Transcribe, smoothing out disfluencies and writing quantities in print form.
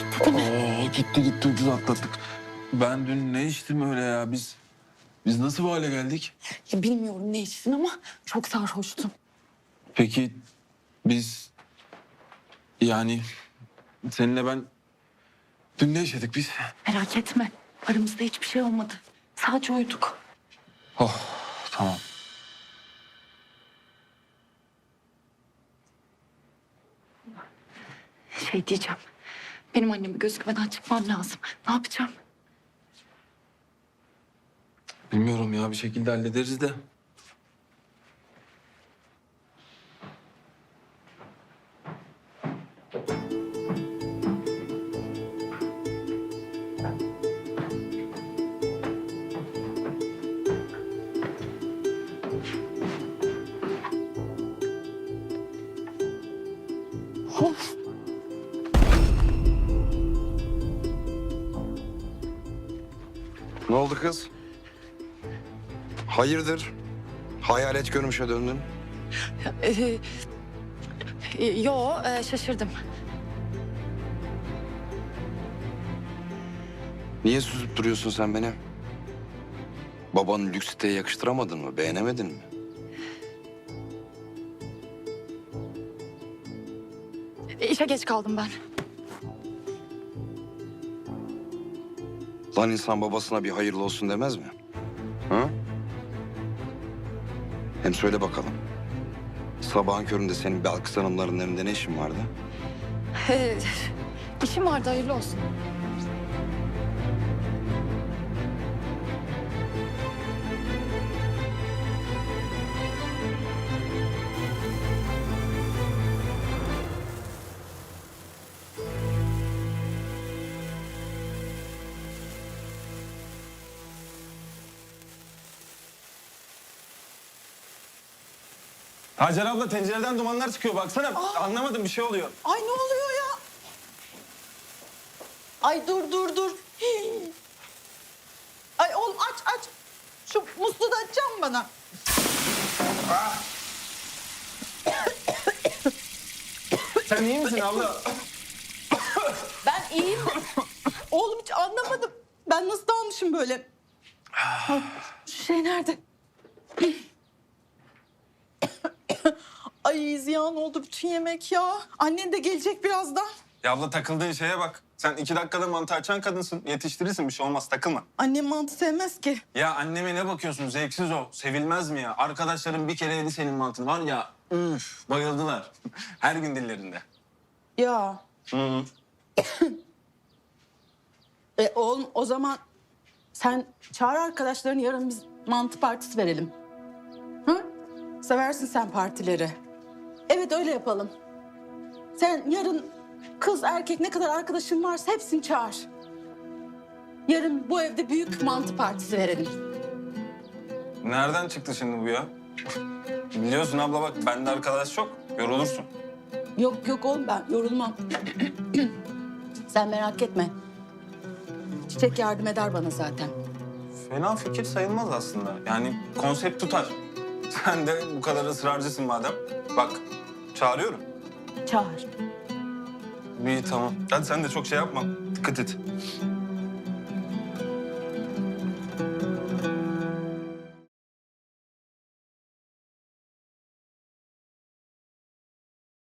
Gitti değil mi? Gitti ucuz atlattık. Ben dün ne içtim öyle ya? Biz nasıl bu hale geldik? Ya bilmiyorum ne içtin ama çok sarhoştum. Peki biz yani seninle ben dün ne yaşadık biz? Merak etme. Aramızda hiçbir şey olmadı. Sadece uyuduk. Oh tamam. Şey diyeceğim. Benim annemi gözükmeden çıkmam lazım. Ne yapacağım? Bilmiyorum ya bir şekilde hallederiz de. Of. Ne oldu kız? Hayırdır? Hayalet görmüşe döndün. Şaşırdım. Niye süzüp duruyorsun sen beni? Babanın lüks siteye yakıştıramadın mı? Beğenemedin mi? İşe geç kaldım ben. Lan insan babasına bir hayırlı olsun demez mi? Ha? Hem söyle bakalım. Sabahın köründe senin Belkıs Hanımların evinde ne işin vardı? İşim vardı, hayırlı olsun. Hacer abla tencereden dumanlar çıkıyor baksana. Anlamadım bir şey oluyor. Ay ne oluyor ya? Ay dur. Hii. Ay oğlum aç. Şu musluğu da açacağım bana. Sen iyi misin abla? Ben iyiyim. Oğlum hiç anlamadım. Ben nasıl dalmışım böyle? Ay, şu şey nerede? Ay ziyan oldu bütün yemek ya. Annen de gelecek birazdan. Ya abla takıldığın şeye bak. Sen 2 dakikada mantı açan kadınsın. Yetiştirirsin bir şey olmaz takılma. Annem mantı sevmez ki. Ya anneme ne bakıyorsun zevksiz o. Sevilmez mi ya? Arkadaşlarım bir kere yedi senin mantını var ya. Üf bayıldılar. Her gün dillerinde. Ya. Hı. Oğlum o zaman sen çağır arkadaşlarını, yarın biz mantı partisi verelim. Hı? Seversin sen partileri. Evet öyle yapalım. Sen yarın kız erkek ne kadar arkadaşın varsa hepsini çağır. Yarın bu evde büyük mantı partisi verelim. Nereden çıktı şimdi bu ya? Biliyorsun abla bak bende arkadaş çok. Yorulursun. Yok oğlum ben yorulmam. Sen merak etme. Çiçek yardım eder bana zaten. Fena fikir sayılmaz aslında. Yani konsept tutar. Sen de bu kadar ısrarcısın madem. Bak çağırıyorum. Çağır. İyi tamam. Hadi sen de çok şey yapma. Dikkat et.